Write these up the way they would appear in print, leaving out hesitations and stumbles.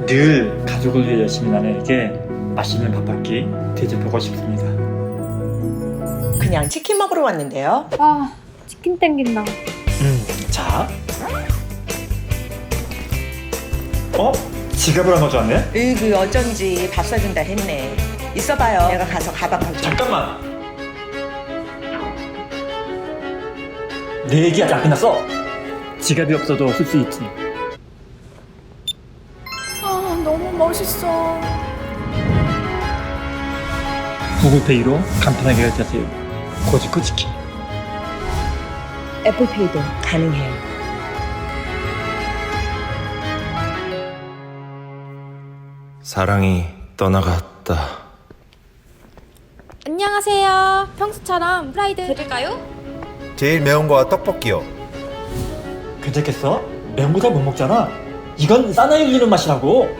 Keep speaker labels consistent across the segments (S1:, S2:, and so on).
S1: 늘 가족을 위해 열심히 나누에게 맛있는 밥 한 끼 대접하고 싶습니다.
S2: 그냥 치킨 먹으러 왔는데요.
S3: 아, 치킨 땡긴다.
S1: 자. 지갑을 안 가져왔네?
S2: 으그 어쩐지 밥 사준다 했네. 있어봐요. 내가 가서 가방 가져.
S1: 잠깐만. 내 얘기 아직 안 끝났어. 지갑이 없어도 쓸 수 있지.
S3: 아, 너무 멋있어.
S1: 구글페이로 간편하게 결제하세요. 고지코 치킨.
S2: 애플페이도 가능해요.
S4: 사랑이 떠나갔다.
S3: 안녕하세요. 평소처럼 프라이드 드릴까요?
S5: 제일 매운 거와 떡볶이요.
S1: 괜찮겠어? 매운 거 잘 못 먹잖아. 이건 싸나이 흘리는 맛이라고.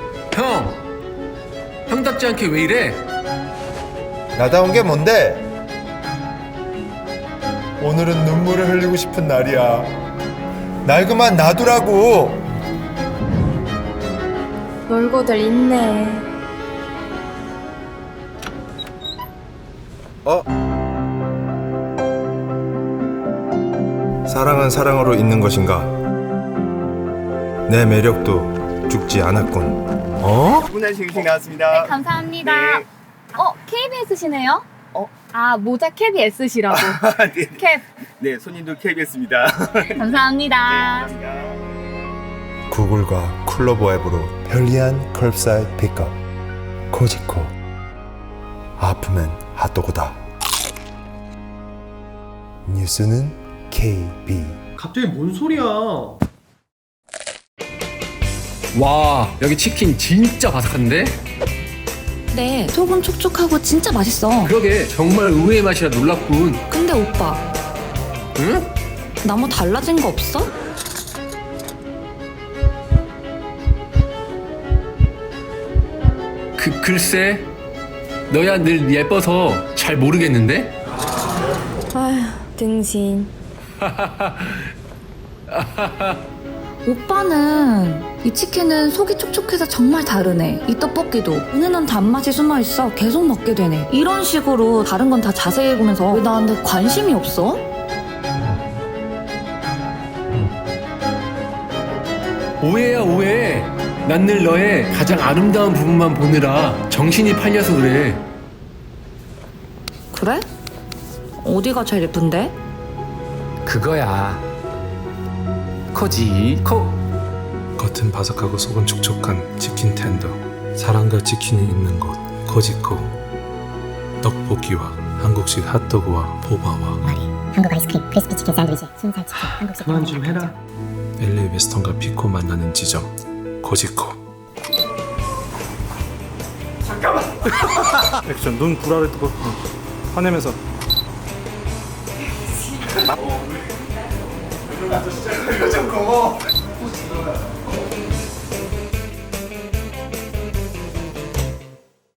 S6: 형답지 않게 왜 이래?
S5: 나다운 게 뭔데? 오늘은 눈물을 흘리고 싶은 날이야. 날 그만 놔두라고.
S3: 놀고들 있네.
S5: 사랑은 사랑으로 있는 것인가? 내 매력도 죽지 않았군.
S7: 주문한 싱싱 나왔습니다.
S3: 감사합니다.
S7: 네.
S3: KBS시네요? 모자 KBS시라고.
S7: 네.
S3: 캡.
S7: 네, 손님도 KBS입니다.
S3: 감사합니다.
S5: 구글과 쿨러버 앱으로 편리한 컬사이드 픽업. 코지코. 아프면 핫도그다. 뉴스는 KB.
S6: 갑자기 뭔 소리야? 와, 여기 치킨 진짜 바삭한데?
S8: 네, 속은 촉촉하고 진짜 맛있어.
S6: 그러게, 정말 의외의 맛이라 놀랍군.
S8: 근데 오빠,
S6: 응?
S8: 나 뭐 달라진 거 없어?
S6: 글쎄, 너야 늘 예뻐서 잘 모르겠는데?
S3: 아휴, 등신.
S8: 오빠는 이 치킨은 속이 촉촉해서 정말 다르네. 이 떡볶이도 은은한 단맛이 숨어있어 계속 먹게 되네. 이런 식으로 다른 건 다 자세히 보면서 왜 나한테 관심이 없어?
S6: 오해야, 오해. 난 늘 너의 가장 아름다운 부분만 보느라 정신이 팔려서 그래.
S8: 그래? 어디가 제일 예쁜데?
S6: 그거야. 코지코.
S9: 겉은 바삭하고 속은 촉촉한 치킨 텐더. 사랑과 치킨이 있는 곳 코지코. 떡볶이와 한국식 핫도그와 보바와
S10: 와리, 한국 아이스크림, 크리스피 치킨 샌드위치, 순살 치킨, 한국식
S6: 그만 좀 해라.
S9: LA 웨스턴과 피코 만나는 지점 코지코.
S11: 액션 눈 불알을 뜨고 화내면서
S5: 요즘 고마워.